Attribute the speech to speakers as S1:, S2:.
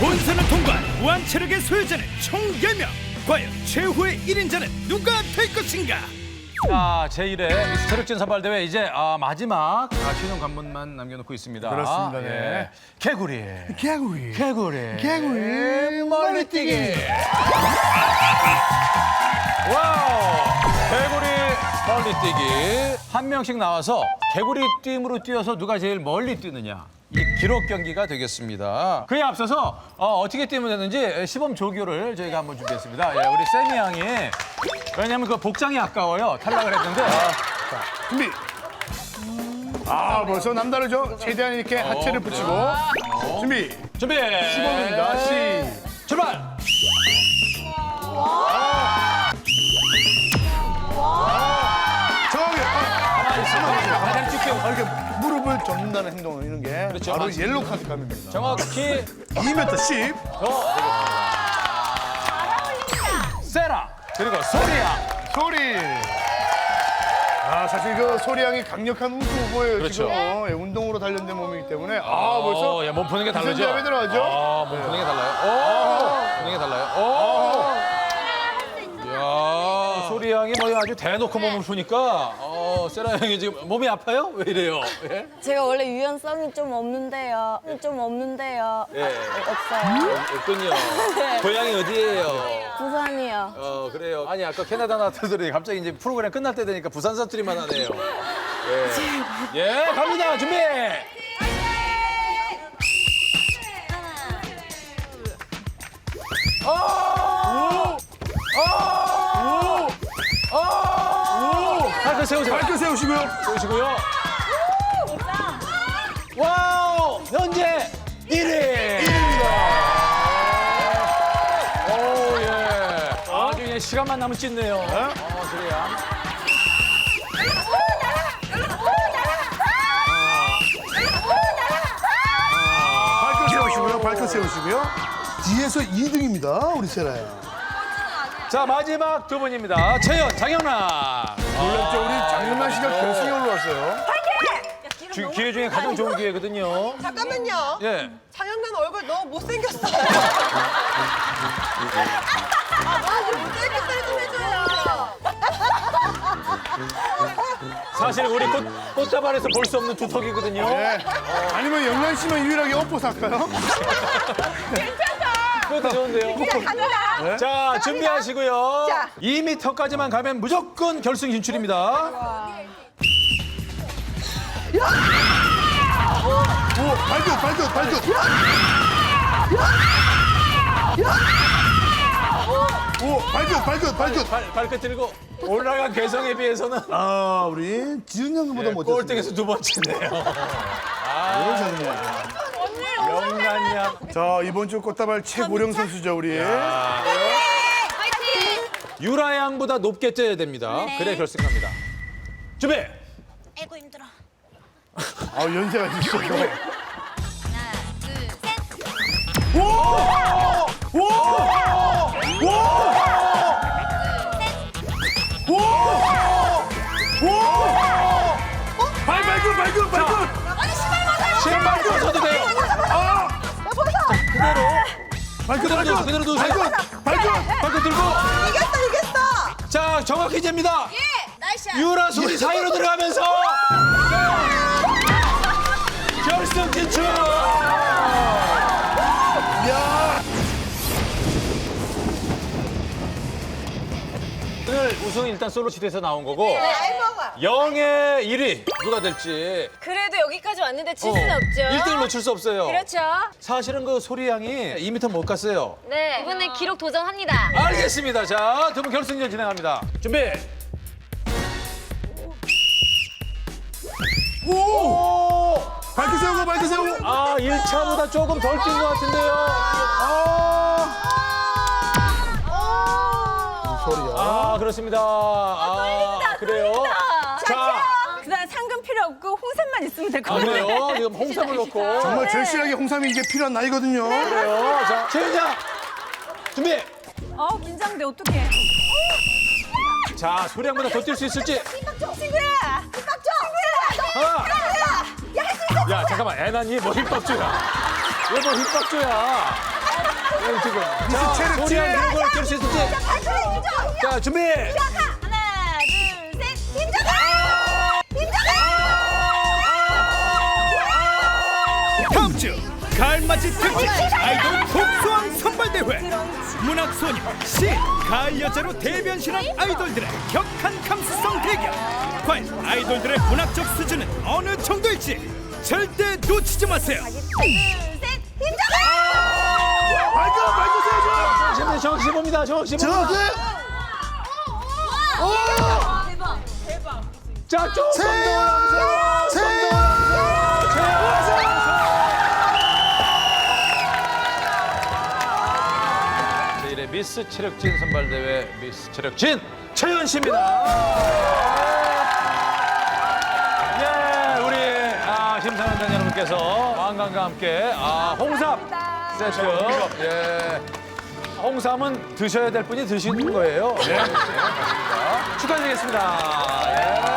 S1: 본선을 통과한 무한체력의 소유자는 총 10명. 과연 최후의 1인자는 누가 될 것인가?
S2: 자, 제1회 미스 체력진 선발대회 이제 마지막 신용 관문만 남겨놓고 있습니다.
S3: 그렇습니다, 네.
S2: 개구리.
S3: 개구리.
S2: 개구리.
S3: 개구리.
S2: 멀리뛰기. 와우. 개구리 멀리뛰기. 한 명씩 나와서 개구리 띠임으로 뛰어서 누가 제일 멀리 뛰느냐. 이 기록 경기가 되겠습니다. 그에 앞서서 어떻게 뛰면 되는지 시범 조교를 저희가 한번 준비했습니다. 예, 우리 세미 양이 왜냐면 그 복장이 아까워요. 탈락을 했는데.
S3: 자, 준비. 벌써 남다르죠? 최대한 이렇게 하체를 붙이고. 준비.
S2: 준비.
S3: 시범입니다.
S2: 출발.
S3: 정확히.
S2: 가만히 있어. 다리 쭉 펴고.
S3: 이렇게 무릎을 접는다는 행동을 이런 게
S2: 그렇죠.
S3: 바로
S2: 맞습니다.
S3: 옐로우 카드 감입니다.
S2: 정확히
S3: 2m 10.
S2: 세라. 그리고 소리야.
S3: 소리. 사실 그 소리 양이 강력한 우승 후보예요.
S2: 그렇죠.
S3: 지금 운동으로 단련된 몸이기 때문에 벌써
S2: 예, 몸 푸는 게 다르죠.
S3: 기선제압에 들어가죠.
S2: 몸 푸는 게 달라요. 푸는 게 달라요. 이야, 소리 양이 뭐 아주 대놓고 몸을 푸니까 세라 양이 지금 몸이 아파요? 왜 이래요? 예?
S4: 제가 원래 유연성이 좀 없는데요.
S2: 예.
S4: 없어요.
S2: 없군요. 고향이 어디예요?
S4: 부산이요.
S2: 그래요. 아니 아까 캐나다 나왔더니 갑자기 이제 프로그램 끝날 때 되니까 부산 사투리만 하네요. 예, 갑니다. 준비. 발끝 세우세요.
S3: 발끝 세우시고요.
S2: 세우시고요. 와우! 현재 1위! 1위입니다. 오, 예. 아주 그냥 시간만 남으면 찢네요. 그래야.
S3: 발끝 세우시고요. 발끝 세우시고요. 뒤에서 2등입니다. 우리 세라야.
S2: 자, 마지막 두 분입니다. 채연, 장영란.
S3: 놀랍죠? 우리 장윤만 씨가 결승에 올라왔어요.
S2: 기회 중에 가장 좋은 기회거든요.
S5: 잠깐만요.
S2: 예.
S5: 장영란 얼굴 너무 못생겼어요. 좀 못생겼어요 좀 해줘요.
S2: 사실 우리 꽃다발에서 볼 수 없는 두턱이거든요.
S3: 네. 아니면 영란 씨만 유일하게 업보 살까요?
S2: 그것도 좋은데요.
S5: 갑니다.
S2: 자, 준비하시고요.
S5: 자.
S2: 2m까지만 가면 무조건 결승 진출입니다.
S3: 오, 발끝. 오, 발끝.
S2: 발끝 들고 올라간 개성에 비해서는
S3: 우리 지은 형보다 못했습니다.
S2: 꼴등에서 두 번째네요.
S3: 이런 장면.
S2: 영란양.
S3: 자, 이번 주 꽃다발 최고령 선수죠, 우리.
S2: 유라 양보다 높게 쪄야 됩니다. 그래 결승 갑니다. 준비.
S6: 아이고 힘들어.
S3: 연세가 있어.
S6: 하나, 둘, 셋.
S3: 발끝.
S2: 신발 벗어도 돼요. 그대로 누우세요. 발끝 들고.
S5: 이겼어.
S2: 자, 정확히 잽니다.
S6: 나이스.
S2: 유라 소리 사이로 들어가면서 결승 진출. 오늘 우승은 일단 솔로 시대에서 나온 거고
S5: 잘 먹어.
S2: 영의 1위 누가 될지
S4: 그래도 여기까지 왔는데 질 수는 없죠.
S2: 1등을 놓칠 수 없어요.
S4: 그렇죠.
S2: 사실은 그 소리 양이 2m 못 갔어요.
S4: 네. 이번엔 기록 도전합니다.
S2: 알겠습니다. 자, 두 분 결승전 진행합니다. 준비.
S3: 발끝 세우고.
S2: 1차보다 조금 덜 뛴 것 같은데요.
S3: 소리야.
S2: 그렇습니다. 그래요. 자,
S4: 그다음 상금 필요 없고 홍삼만 있으면 될 것 같아요.
S2: 그래요. 지금 홍삼을 넣고.
S3: 정말 절실하게 홍삼이 이게 필요한 나이거든요.
S2: 그래요. 자, 최윤장 준비.
S4: 긴장돼. 어떡해.
S2: 자, 소리 양보다 더 뛸 수 있을지.
S5: 친구야.
S2: 하나. 야, 잠깐만. 애나니 뭐 힙박조야. 왜 뭐 힙박조야. 지금. 자,
S3: 체력진.
S2: 소리야, 누구 깰수 있을지. 자, 준비.
S6: 하나, 둘, 셋. 힘줘라! 힘줘라!
S1: 다음 주 가을맞이 특집 아이돌 복수왕 선발대회. 문학소녀, 시, 가을 여자로 대변신한 아이돌들의 격한 감수성 대결. 과연 아이돌들의 문학적 수준은 어느 정도일지 절대 놓치지 마세요.
S6: 둘, 셋. 힘줘라!
S2: 정신, 정신 봅니다. 정신 봅니다.
S6: 대박.
S2: 자, 조금 더 올라오세요. 내일의 미스 체력진 선발대회 미스 체력진 최연 씨입니다. 예, 우리 심사위원단 여러분께서 왕관과 함께 홍삼 세트. 예. 홍삼은 드셔야 될 분이 드시는 거예요. 네. 축하드리겠습니다. 예.